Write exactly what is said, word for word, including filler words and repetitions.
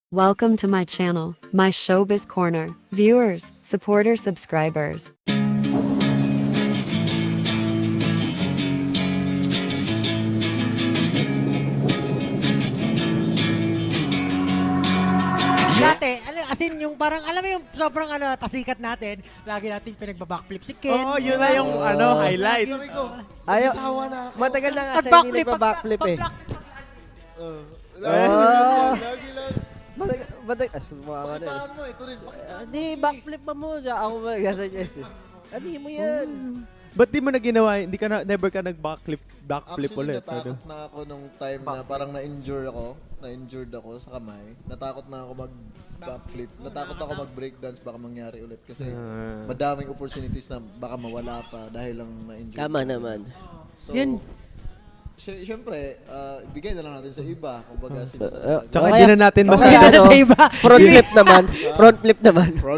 Welcome to my channel, my Showbiz Corner. Viewers, supporters, subscribers. Dati, al- as in yung parang, alam mo yung sobrang ano, pasikat natin, lagi nating pinagbabackflip si Ken. Oo, yun na yung ano, highlight. Sabi ko, Ayaw, Asawa na ako. matagal na nga siya hindi pag-backflip, nagpa-backflip eh. pag-backflip. Uh, Ah. Lagi lang. Matagal, matagal, ah, sumama ka na eh. Pakitaan mo, ito rin. Ah, Di, backflip pa mo siya. Ako ba, gasuggest eh. Ano mo yan? Ba't di mo na ginawa, hindi ka na, never ka nag-backflip, backflip Actually, ulit? natakot na ako nung time na parang na-injure ako. Na-injured ako sa kamay. Natakot na ako mag-backflip. Natakot ako mag-breakdance baka mangyari ulit. Kasi Ah. madaming opportunities na baka mawala pa dahil lang na-injure. Tama naman. So, Yan. sy- syempre, ah, bigay na lang natin sa iba. Kumbaga, sila. Uh, Tsaka o hindi kaya- na natin o kaya masyado. ano, sa iba. Front flip naman. Front flip naman.